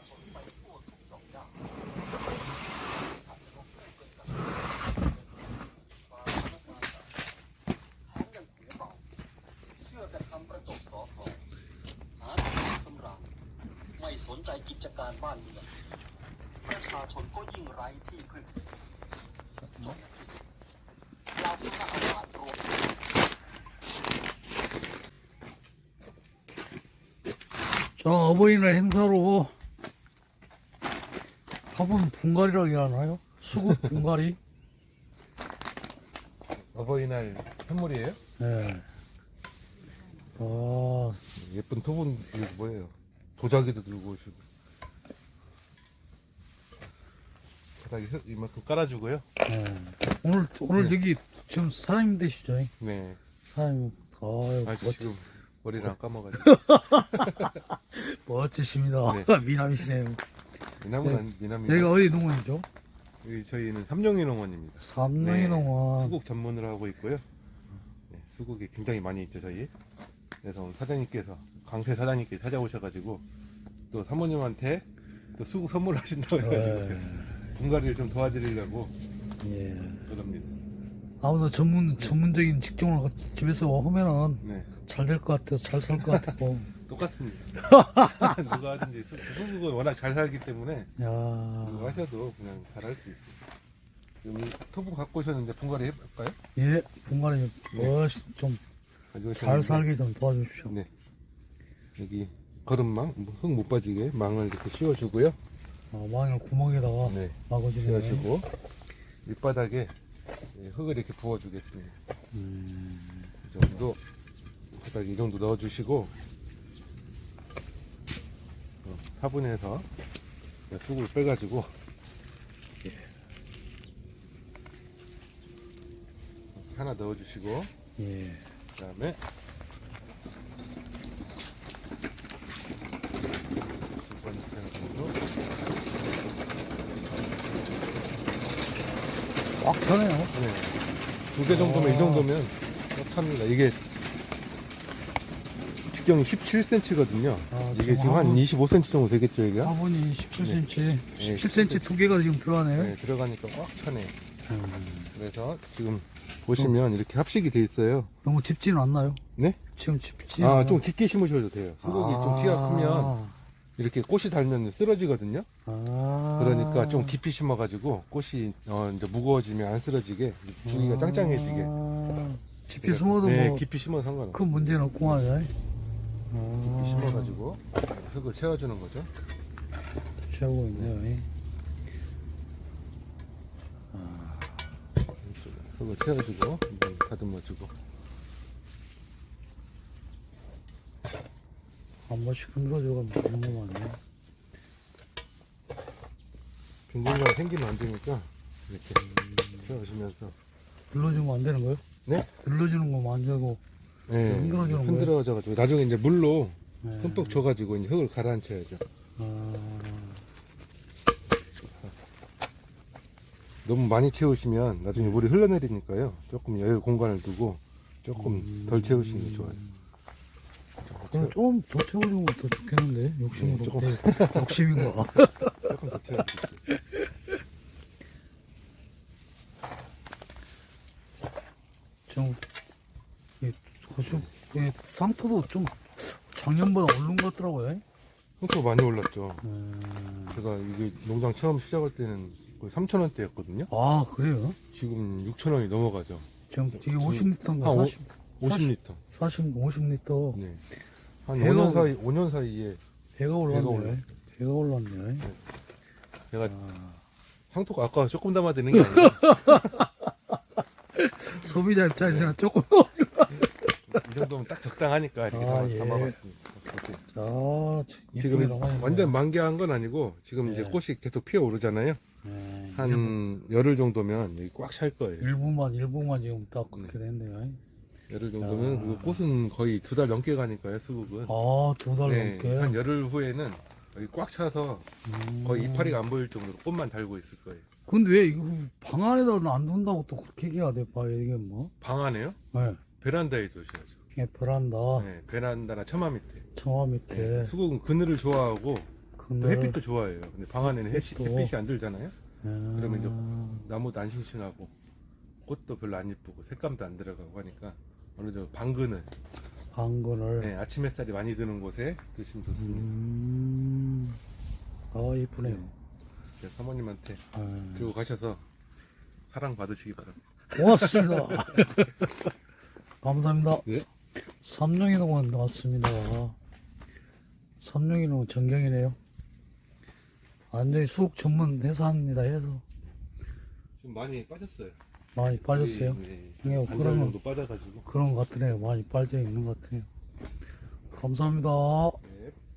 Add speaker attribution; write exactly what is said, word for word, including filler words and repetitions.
Speaker 1: ชนไปทั่วทุกดอกหญ้าอาจจะลงเพื่อเป็นกระแสฟาร์มและการต่างแถมยังหูเบาเชื่อแต่คำประจบสอพอหาแต่ความสำราญไม่สนใจกิจการบ้านเมืองประชาชนก็ยิ่งไร้ที่พึ่งจนในที่สุดเราผู้น่าอาฆาตรวม
Speaker 2: 자, 어버이날 행사로 화분 분갈이라고 하나요? 수국 분갈이?
Speaker 3: 어버이날 선물이에요?
Speaker 2: 네. 아,
Speaker 3: 예쁜 토분 이게 뭐예요? 도자기도 들고 오시고 바닥에 흙 이만큼 깔아주고요.
Speaker 2: 네. 오늘, 오늘
Speaker 3: 네.
Speaker 2: 여기 지금 사장님 되시죠?
Speaker 3: 네.
Speaker 2: 사장님, 아유,
Speaker 3: 아
Speaker 2: 멋지,
Speaker 3: 지금 머리를 안 감아가지고
Speaker 2: 멋지십니다.
Speaker 3: 네.
Speaker 2: 미남이시네요.
Speaker 3: 미남은
Speaker 2: 네.
Speaker 3: 아니 미남이
Speaker 2: 여기가 어디 농원이죠?
Speaker 3: 여기 저희는 삼룡이 농원입니다.
Speaker 2: 삼룡이
Speaker 3: 네.
Speaker 2: 농원.
Speaker 3: 수국 전문으로 하고 있고요. 네, 수국이 굉장히 많이 있죠 저희. 그래서 오늘 사장님께서 강세 사장님께 찾아오셔가지고 또 사모님한테 또 수국 선물을 하신다고 해가지고 제가 분갈이를 좀 도와드리려고
Speaker 2: 예.
Speaker 3: 그럽니다.
Speaker 2: 아무도 전문, 전문적인 직종을 집에서 하면은
Speaker 3: 네.
Speaker 2: 잘 될 것 같아서 잘 살 것 같고.
Speaker 3: 똑같습니다. 누가 하든지 수- 수국은 워낙 잘 살기 때문에
Speaker 2: 야,
Speaker 3: 누가 하셔도 그냥 잘 할 수 있어요. 지금 이 토분 갖고 오셨는데 분갈이 해볼까요?
Speaker 2: 예, 분갈이 멋, 좀
Speaker 3: 가지고
Speaker 2: 잘
Speaker 3: 오셨는데
Speaker 2: 살게 좀 도와주십시오.
Speaker 3: 네. 여기 거름망, 흙 못 빠지게 망을 이렇게 씌워주고요.
Speaker 2: 어, 망을 구멍에다가
Speaker 3: 네.
Speaker 2: 막아주네.
Speaker 3: 씌워주고 밑바닥에 네, 흙을 이렇게 부어주겠습니다.
Speaker 2: 음,
Speaker 3: 이 정도 바닥에 이 정도 넣어주시고 어, 화분에서 수국을 빼가지고 하나 넣어주시고
Speaker 2: 예.
Speaker 3: 그 다음에 두 번째 정도
Speaker 2: 꽉 차네요.
Speaker 3: 네. 두 개 정도면 이 정도면 꽉 찹니다. 이게 직경이 십칠 센티미터거든요.
Speaker 2: 아,
Speaker 3: 이게
Speaker 2: 지금
Speaker 3: 지금 한
Speaker 2: 화분-
Speaker 3: 이십오 센티미터 정도 되겠죠, 이게?
Speaker 2: 화분이 십칠 센티미터, 십칠 센티미터
Speaker 3: 십칠
Speaker 2: 두 개가 지금 들어가네요.
Speaker 3: 네, 들어가니까 꽉 차네요.
Speaker 2: 음,
Speaker 3: 그래서 지금 보시면 이렇게 합식이 돼 있어요.
Speaker 2: 너무 짚지는 않나요?
Speaker 3: 네?
Speaker 2: 지금 짚지
Speaker 3: 아,
Speaker 2: 않아요?
Speaker 3: 좀 깊게 심으셔도 돼요. 수국이 좀 키가 크면 이렇게 꽃이 달면 쓰러지거든요.
Speaker 2: 아,
Speaker 3: 그러니까 좀 깊이 심어가지고 꽃이 어, 이제 무거워지면 안 쓰러지게 주기가 짱짱해지게.
Speaker 2: 아, 깊이 숨어도
Speaker 3: 네,
Speaker 2: 뭐
Speaker 3: 깊이 심어도 상관없어요.
Speaker 2: 큰 문제는 없고 하죠.
Speaker 3: 깊이
Speaker 2: 아,
Speaker 3: 심어가지고 흙을 채워주는 거죠.
Speaker 2: 채우고 있네요.
Speaker 3: 흙을 채워주고 한번 다듬어주고.
Speaker 2: 한 번씩 흔들어주고 너무 많네.
Speaker 3: 빈공간 생기면 안 되니까 이렇게 채워주면서.
Speaker 2: 눌러주면 안 되는 거예요?
Speaker 3: 네?
Speaker 2: 눌러주는 거면 안 되고.
Speaker 3: 네,
Speaker 2: 흔들어주는 거예요?
Speaker 3: 흔들어져가지고 나중에 이제 물로
Speaker 2: 네.
Speaker 3: 흠뻑 줘가지고 이제 흙을 가라앉혀야죠.
Speaker 2: 아,
Speaker 3: 너무 많이 채우시면 나중에 물이 흘러내리니까요. 조금 여유 공간을 두고 조금 덜 채우시는 게 좋아요.
Speaker 2: 그럼 좀 더 채워주면 더 좋겠는데 욕심으로.
Speaker 3: 네, 조금.
Speaker 2: 네, 욕심인 거.
Speaker 3: 조금 더 채워주세요.
Speaker 2: 좀, 이, 고수, 이 상토도 좀 작년보다 오른 것 같더라고요.
Speaker 3: 흙도 많이 올랐죠.
Speaker 2: 음,
Speaker 3: 제가 이게 농장 처음 시작할 때는 거의 삼천 원대였거든요.
Speaker 2: 아, 그래요?
Speaker 3: 지금 육천 원이 넘어가죠.
Speaker 2: 지금 이게 오십 리터인가?
Speaker 3: 한 오-
Speaker 2: 사십,
Speaker 3: 오십 리터.
Speaker 2: 사십, 오십 리터.
Speaker 3: 네. 한
Speaker 2: 배가
Speaker 3: 오 년
Speaker 2: 올-
Speaker 3: 사이, 오 년 사이에
Speaker 2: 배가 올랐네.
Speaker 3: 올랐어요.
Speaker 2: 배가 올랐네.
Speaker 3: 제가
Speaker 2: 아,
Speaker 3: 상토가 아까 조금 담아드는 게 아니라
Speaker 2: 소비자 입장에서는 조금.
Speaker 3: 이 정도면 딱 적당하니까 이렇게
Speaker 2: 아,
Speaker 3: 담아-
Speaker 2: 예.
Speaker 3: 담아봤습니다. 이렇게.
Speaker 2: 아,
Speaker 3: 지금
Speaker 2: 예쁘게 나가네.
Speaker 3: 완전 만개한 건 아니고 지금 이제
Speaker 2: 네.
Speaker 3: 꽃이 계속 피어오르잖아요.
Speaker 2: 네, 일부,
Speaker 3: 한 열흘 정도면 여기 꽉 찰 거예요.
Speaker 2: 일부만, 일부만 지금 딱 그렇게 됐네요.
Speaker 3: 열흘 정도면
Speaker 2: 야.
Speaker 3: 그리고 꽃은 거의 두 달 넘게 가니까요. 수국은.
Speaker 2: 아, 두 달
Speaker 3: 네,
Speaker 2: 넘게.
Speaker 3: 한 열흘 후에는 여기 꽉 차서
Speaker 2: 음.
Speaker 3: 거의 이파리가 안 보일 정도로 꽃만 달고 있을 거예요.
Speaker 2: 근데 왜 이거 방 안에다 안 둔다고 또 그렇게 얘기해야 돼? 봐, 이게 뭐?
Speaker 3: 방 안에요?
Speaker 2: 네.
Speaker 3: 베란다에 두셔야죠.
Speaker 2: 예, 베란다,
Speaker 3: 네, 베란다나 처마 밑에.
Speaker 2: 청화 밑에.
Speaker 3: 네, 수국은 그늘을 좋아하고 또 햇빛도 좋아해요. 근데 방 안에는 햇빛,
Speaker 2: 햇빛도.
Speaker 3: 햇빛이 안 들잖아요.
Speaker 2: 아,
Speaker 3: 그러면 이제 나무도 안 싱싱하고 꽃도 별로 안 예쁘고 색감도 안 들어가고 하니까 어느 정도 방근을
Speaker 2: 방근을.
Speaker 3: 네, 아침 햇살이 많이 드는 곳에 두시면 좋습니다.
Speaker 2: 음, 아, 이쁘네요.
Speaker 3: 네, 사모님한테
Speaker 2: 아,
Speaker 3: 들고 가셔서 사랑 받으시기 바랍니다.
Speaker 2: 고맙습니다. 감사합니다.
Speaker 3: 네.
Speaker 2: 삼룡이동원 왔습니다. 삼룡이동원 전경이네요. 완전히 수국 전문 회사입니다. 해서
Speaker 3: 지금 많이 빠졌어요.
Speaker 2: 많이 빠졌어요.
Speaker 3: 네,
Speaker 2: 네,
Speaker 3: 반절
Speaker 2: 그러면-
Speaker 3: 정도 빠져가지고
Speaker 2: 그런 것 같으네요. 많이 빠져 있는 것 같으네요. 감사합니다.